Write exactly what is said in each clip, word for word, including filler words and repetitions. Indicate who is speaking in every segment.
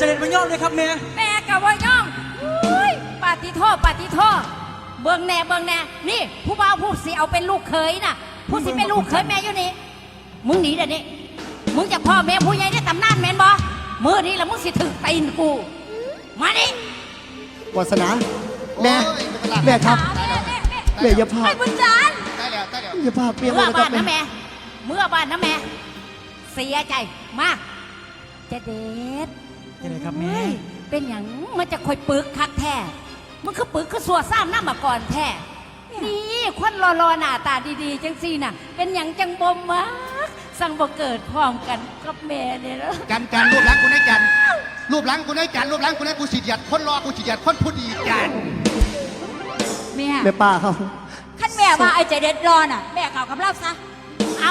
Speaker 1: จะเด็ดมาย่อมเลยครับแม่
Speaker 2: แม่กับว่าย่อมอุ้ยปาติโทษปาติโทษเบิ่งแน่เบิ่งแน่นี่ผู้บ่าวผู้สิเอาเป็นลูกเขยน่ะผู้สิเป็นลูกเขยแม่อยู่นี่มึงหนีเดี๋ยวนี้มึงจะพ่อแม่ผู้ใหญ่ได้ตำนานแม่นบ่มือนี้แล้วมึงสิถึงตีนกูมาดิ
Speaker 3: วาสนาแม่แม่ครับแม่อย่าพา
Speaker 2: ไอ้บุญจันทร์
Speaker 4: ได้แล้วได้แล้ว
Speaker 3: อย่าพาเมีย
Speaker 2: เมื่อ
Speaker 3: นะค
Speaker 2: บ้า
Speaker 3: รับ
Speaker 2: นนะแม่เมื่อบ้านนะแม่เสียใจมากจะเด็ด
Speaker 1: จะเด็ดครับแม่
Speaker 2: เป็นอย่างมันจะคอยปึกคักแท้มันคือปึกคือสัวซ้ำหน้ามาก่อนแท้นี่ควันรอๆหน้าตาดีๆจังซี่น่ะเป็นอย่างจังบมมากสั่งบ่เกิดพร้อมกันกับแม่เนี่ยแล้ว
Speaker 4: กันกันรูปหลังกูได้กันรูปหลังกูได้กันรูปหลังกูได้กูสิหยัดคนรอกูสิหยัดคนผู้ดีกัน
Speaker 2: แม่
Speaker 3: แม่ป้าเขา
Speaker 2: ขั้นแม่ว่าไอ้ใจเด็ดรอน่ะแม่เก่ากับเราซะเอา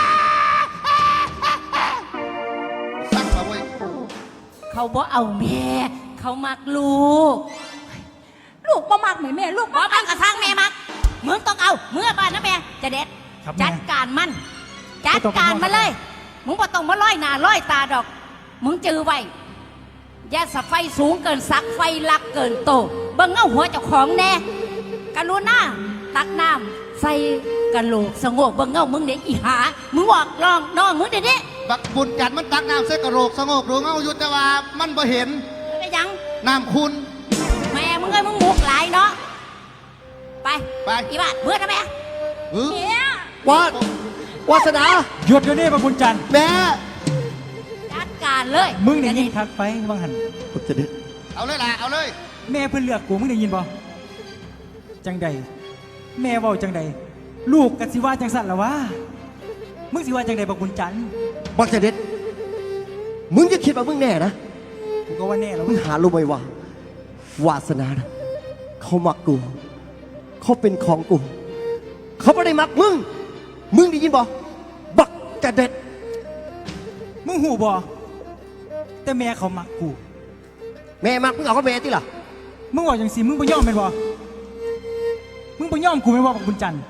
Speaker 4: สั่งมาเว้ย
Speaker 2: เขาบ่เอาแม่เขามักลูกลูกบ่มักเหมือนแม่ลูกบ่มักกระทั่งแม่มักมึงต้องเอาเมื่อบ้านนะแม่จะเด็ดจัดการมันจัดการมาเลยมึงบ่ต้องมาร้อยหน้าร้อยตาดอกมึงจือไว้อย่าสะไฟสูงเกินสักไฟลักเกินโตเบิ่งเอาหัวเจ้าของแน่กรุณาตักน้ำใส่กะโหลกสงบเบิ่งเอามึงเด็กอีหามึงบอกลองน้องมึงเดี๋ยวนี้
Speaker 4: บักบุญจันทร์มันตักน้ำใส่กระโหลกสงบหรือเงาอยู่แต่ว่ามันบ่เห็น
Speaker 2: ไปยัง
Speaker 4: น้ำคุณ
Speaker 2: แม่มึงเอ้ยมึงมุกหลายเนาะไป
Speaker 4: ไป
Speaker 2: อีบ้านเมื่อนะแม่
Speaker 4: เออ
Speaker 2: เนี่ยว
Speaker 3: าดวาสนา
Speaker 1: หยุดเดี๋ยวนี้พระบุญจันทร์
Speaker 3: แม่
Speaker 2: จัดการเลย
Speaker 1: มึงได้ยินทักไปบางหัน
Speaker 3: ผมจะเด็ด
Speaker 4: เอาเลยล่ะเอาเลย
Speaker 1: แม่เพิ่นเลือกกูมึงได้ยินบ่จังใดแม่เว้าจังใดลูกกะสิว่าจังสั่นละวะมึงสิว่าจังใดบักบุญจันทร์
Speaker 3: บักจะเด็ดมึงจะคิดว่ามึงแน่นะ
Speaker 1: กูก็ว่าแน่แล้ว
Speaker 3: มึงหารู้ไหมว่าวาสนานะเขามักกูเขาเป็นของกูเขาไม่ได้มักมึงมึงได้ยินบ่บักจะเด็ด
Speaker 1: มึงหูบ่แต่แม่เขามักกู
Speaker 3: แม่มักมึงเอาก็แม่ที่ล่ะ
Speaker 1: มึงบอกอย่างสิมึงบ่ยอมเป็นบ่มึงบ่ยอมกูเป็นบ่บักบุญจันทร์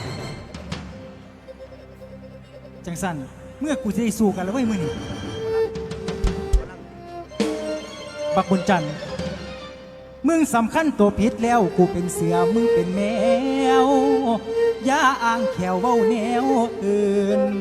Speaker 1: จังสั่นเมื่อกูจะได้สู้กันแล้วเว้ยมึงนี่บักบุญจันทร์มึงสำคัญตัวผิดแล้วกูเป็นเสือมึงเป็นแมวอย่าอ้างแขวเว้าแนวอื่น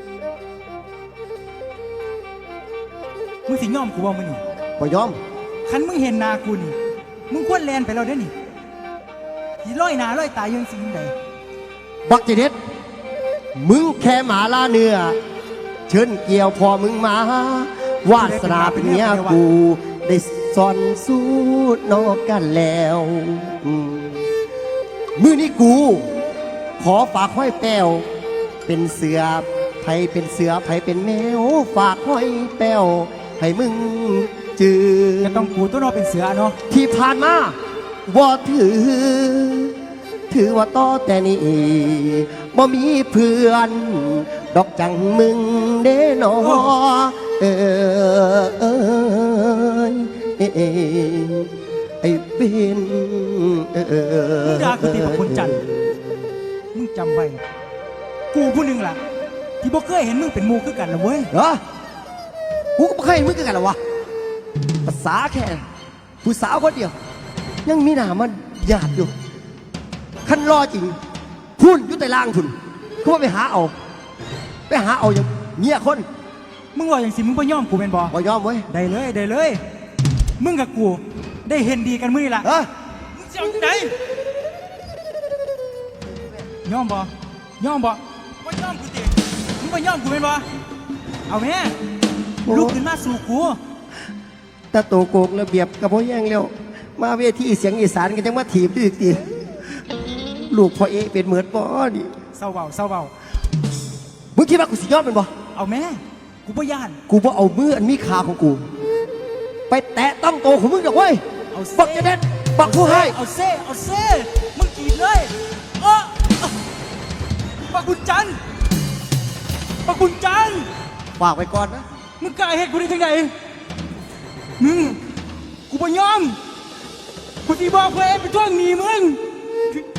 Speaker 1: มึงสิยอมกูบ่มึงนี่
Speaker 3: บ่ยอม
Speaker 1: คันมึงเห็นหนากูนี่มึงควรแลนไปแล้วเด้อนี่ที่ร้อยหนาร้อยตายยังสิ่งใด
Speaker 3: บักจะเด็ดมึงแค่หมาล่าเนื้อเชิญเกี่ยวพอมึงมาวาสนาเป็นเมียกูได้ซ่อนสู้นอกกันแล้วอืมมือนี้กู ขอฝากห้อยแป้วเป็นเสือไผเป็นเสือไผเป็นแมวฝากห้อยแป้วให้มึงจือ
Speaker 1: ก็ต้องกูตัวเนอเป็นเสือเนาะ
Speaker 3: ที่ผ่านมาว่าถือ ถือว่าต่อแต่นี้บ่มีเพื่อน ดอกจังมึงเด้นอเออเออไอ้เป็นเออ
Speaker 1: มึงด่ากูตีบักบุญจันทร์มึงจำไว้กูผู้หนึ่งล่ะ ที่บ่เคยเห็นมึงเป็นหมูคือกันนะเว้ย
Speaker 3: เหรอกูก็ไม่เคยเห็นมึงกันหรอวะภาษาแค่ผู้สาวคนเดียว ยังมีหน้ามันหยาดอยู่คันรอจริงพุ่นอยู่แต่ล่างพุ่นเขาว่าไปหาเอาไปหาเอาอย่างเงี้ยคน
Speaker 1: มึงว่าอย่างสิมึงบ่ยอมกูเป็นบ่
Speaker 3: บ่ยอมเว้ย
Speaker 1: ได้เลยได้เลย มึงกับกูได้เห็นดีกันมื้อนี่ล่ะ
Speaker 3: เออ
Speaker 1: มึงจะเอาจังไดยอมบ่ยอมบ่บ่ยอมกูติมึงบ่ยอมกูเป็นบ่เอาแม่ลุกขึ้นมาสู่กู
Speaker 3: แต่โตโกกระเบียบกับพ่อแย่งแล้วมาเวทีเสียงอีสานกันจังมาถีบด้วยอีกทีลูกพ่อเอเป็นเหมือนบ่ดิ
Speaker 1: เศร้าเบาเศร้าเบา
Speaker 3: มึงคิดว่ากูสิยอมเป็นบ่
Speaker 1: เอาแม่กูบ่ย่าน
Speaker 3: กูบ่เอามืออันมีขาของกู ไปแตะต้องโตของมึงดอกเว้ย
Speaker 1: เอา
Speaker 3: บักจะเด็ดบักผู้ให้
Speaker 1: เอาเซ่เอาเซ่มึงกรีดเลยเออปักบุญจันทร์ปักบุญจันทร์
Speaker 3: ฝากไว้ก่อนนะ
Speaker 1: มึงกล้าเฮ็ดกูได้จังไงมึงกูบ่ยอมกูสิบอกเพื่อนไปทวงหนี้มึง